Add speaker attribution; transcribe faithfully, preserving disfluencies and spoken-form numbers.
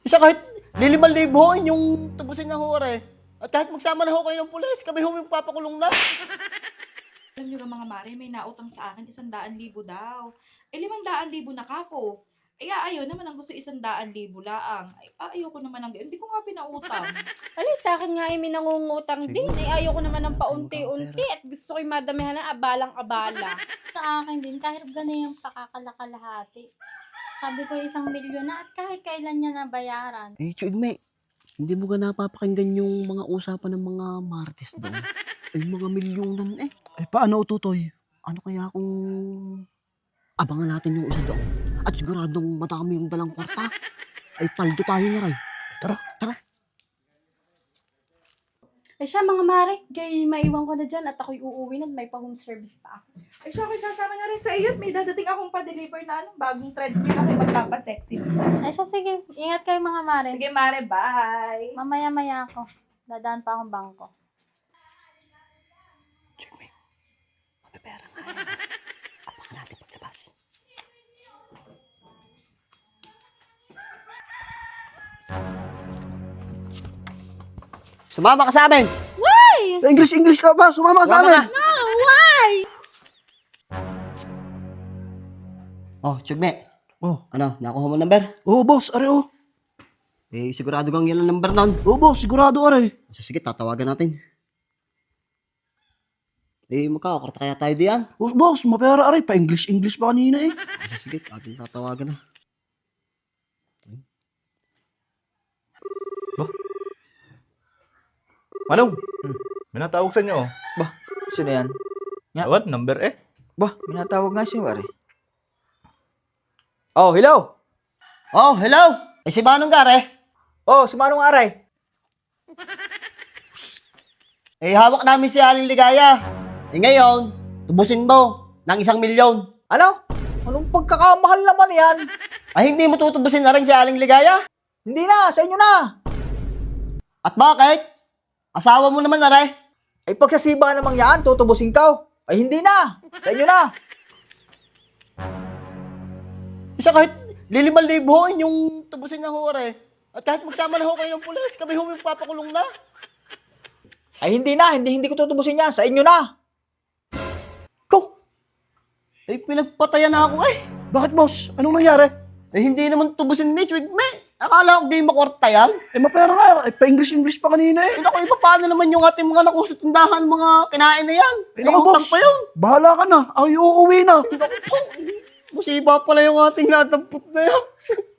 Speaker 1: Siya kahit liliman liboin yung tubusin na hore. At kahit magsama na ho kayo ng pulis, kami ho yung papakulong na.
Speaker 2: Alam nyo ka mga mare, may nautang sa akin isang daan libo daw. Eh, limang daan libo na kako. Eh, ayaw naman ang gusto isang daan libo laang. Ay, ayaw ko naman ang gayon. Hindi ko nga pinautang.
Speaker 3: Alay, sa akin nga ay may nangungutang din. Ay, ayoko naman ng paunti-unti at gusto ko'y madamihan ng abalang-abala.
Speaker 4: Sa akin din, kahit ganun yung pakakalahati. Sabi ko isang milyon na at kahit kailan niya nabayaran.
Speaker 1: Eh, Chugme, hindi mo ga napapakinggan yung mga usapan ng mga martes doon? Ay, mga milyonan eh.
Speaker 5: Eh, paano ututoy?
Speaker 1: Ano kaya kung abangan natin yung isa doon? At siguradong madami yung dalang kwarta. Ay, paldo tayo na rin. Tara, tara.
Speaker 3: Ay siya mga mare, gay maiwan ko na dyan at ako'y uuwi na at may pa-home service pa ako.
Speaker 2: Ay, siya ako'y sasama na rin sa iyo. At may dadating akong pa-deliver na ano, bagong treadmill ako'y magpapasexy.
Speaker 4: Ay siya, sige. Ingat kayo mga mare.
Speaker 2: Sige, mare, bye!
Speaker 4: Mamaya-maya ako. Dadaan pa akong bangko.
Speaker 1: Chugme, may pera nga yan. Abangan natin paglabas. Sumama ka sa amin!
Speaker 5: English, English ka ba? Sumama ka sa
Speaker 1: Sumama
Speaker 5: amin.
Speaker 1: ka! Oh, Chugme.
Speaker 5: Oh,
Speaker 1: Ano, nakuha mo number?
Speaker 5: oo boss, are oh.
Speaker 1: Eh, sigurado kang yan ang number nun.
Speaker 5: Oo boss, sigurado are.
Speaker 1: So, sige, tatawagan natin. Eh, magkakakarta kaya tayo diyan?
Speaker 5: Oh, boss, mapera are. Pa-English, English pa kanina eh.
Speaker 1: So, sige, ating tatawagan na.
Speaker 6: Manong, may natawag sa inyo. Oh.
Speaker 7: Bah, sino yan? Ya.
Speaker 6: What? Number eh?
Speaker 7: Bah, minatawag nga siya, pare. Oh, hello!
Speaker 1: Oh, hello! Eh, si Manong Gare?
Speaker 7: Oh, si Manong Aray.
Speaker 1: Eh, hawak namin si Aling Ligaya. Eh, ngayon, tubusin mo ng isang milyon.
Speaker 7: Ano? Anong pagkakamahal naman yan?
Speaker 1: Ay, hindi mo tutubusin na rin si Aling Ligaya?
Speaker 7: Hindi na, sa inyo na.
Speaker 1: At bakit? Asawa mo naman na rin.
Speaker 7: Ay pagsasiba namang yan, tutubusin ka. Ay hindi na, sa inyo na.
Speaker 1: Siya kahit liliman liboin yung tubusin na hore. At kahit magsama na ho kayo ng pulis, kami ho yung papakulong na.
Speaker 7: Ay hindi na, hindi hindi ko tutubusin yan, sa inyo na.
Speaker 1: Ko! Eh, pinagpatayan na ako eh.
Speaker 5: Bakit boss? Anong nangyari?
Speaker 1: Eh, hindi naman tubusin ni Chugme. Akala ko game makwarta yan.
Speaker 5: Eh, mapera nga. Eh, pa-English, English pa kanina eh.
Speaker 1: Eh, naku, iba paano naman yung ating mga nakuha sa tindahan, mga kinain na yan?
Speaker 5: Eh,
Speaker 1: Eh,
Speaker 5: naku
Speaker 1: utang
Speaker 5: boss,
Speaker 1: pa yun.
Speaker 5: bahala ka na. Ay, uuwi na.
Speaker 1: Musiba pala yung ating natampot na yan.